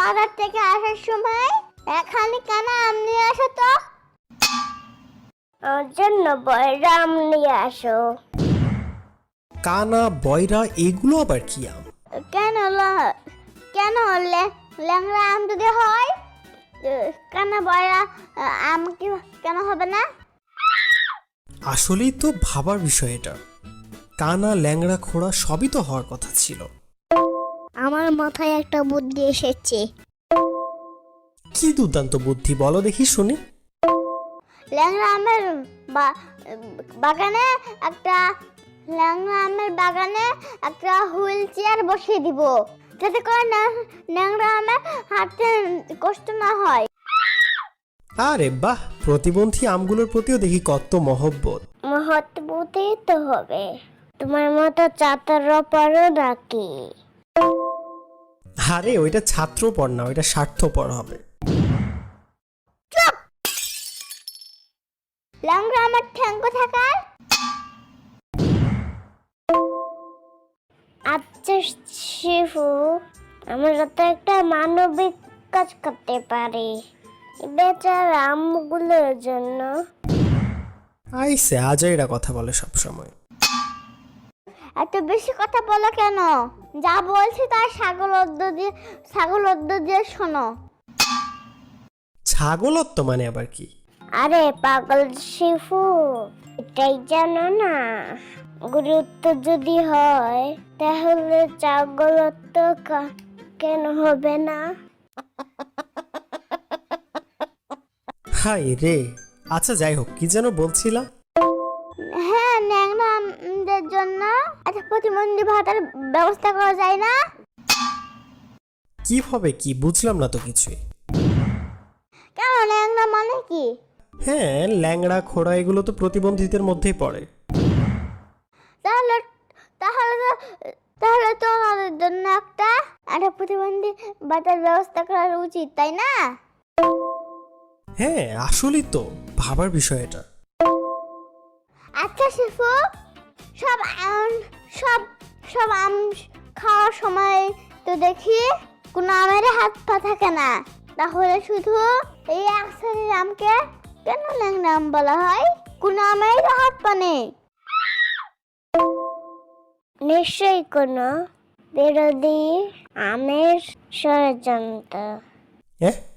বাজার থেকে আসার সময় এখানে কেন আম নিয়ে আসো তো? ওর জন্য বয়রা আম নিয়ে আসো। কানা, বয়রা এগুলো আবার কি আম? কেন কেন ল্যাংড়া আম যদি হয় কেন বয়রা আম কি কেন হবে না? আসলেই তো ভাবার বিষয় এটা। কানা, ল্যাংড়া, খোড়া সবই তো হওয়ার কথা ছিল। আমার মাথায় একটা বুদ্ধি এসেছে। কি দুর্দান্ত বুদ্ধি, বলো দেখি শুনি। ল্যাংড়া আমের বাগানে একটা ল্যাংড়া আমের বাগানে একটা হুইল চেয়ার বসিয়ে দিব, যাতে করে ল্যাংড়া আমের হাঁটতে কষ্ট না হয়। আরে বাহ, প্রতিবন্ধী আমগুলোর প্রতিও দেখি কত মহব্বত। মহৎবতই তো হবে। তোমার মতো চাতার পরও নাকি? আরে ওইটা ছাত্রপর না, ওইটা স্বার্থপর হবে। ল্যাংড়া আমার ঠ্যাঙ্গ থাকার। আচ্ছা শিফু, আমরা তো একটা মানবিক কাজ করতে পারি বেচারা আমগুলোর জন্য। আইসে আজাইরা কথা বলে সব সময়। এত বেশি কথা বলো কেন? যা বলছি তার ছাগল অদ্দ দিয়ে শোনো। ছাগলত্ব মানে আবার কি? আরে পাগল শিফু, এটাই জানো না? গুরুত্ব যদি হয় তাহলে ছাগলত্ব কেন হবে না? হাই রে। আচ্ছা যাই হোক, কি যেন বলছিলা? হ্যাঁ, ন্যাংরাদের জন্য একটা প্রতিবন্ধী ভাতার ব্যবস্থা করা যায় না? কিভাবে কি বুঝলাম না তো কিছুই। কেন, ন্যাংরা মানে কি? হ্যাঁ, ল্যাংড়া, খোড়া এগুলো তো প্রতিবন্ধীদের মধ্যেই পড়ে। তাহলে তাহলে তো তাহলে তো ওনাদের জন্য একটা প্রতিবন্ধী ভাতার ব্যবস্থা করা উচিত, তাই না? হ্যাঁ আসলেই তো ভাবার বিষয় এটা। আচ্ছা শিফু, সব সব সব আম খাওয়ার সময় তো দেখি কোনো আমের হাত পা থাকে না, তাহলে শুধু এই এক শ্রেণীর আমকে কেন ল্যাংড়া আম বলা হয়? কোনো আমের তো হাত পা নেই। নিশ্চয়ই কোনো বিরোধী আমের ষড়যন্ত্র। হ্যাঁ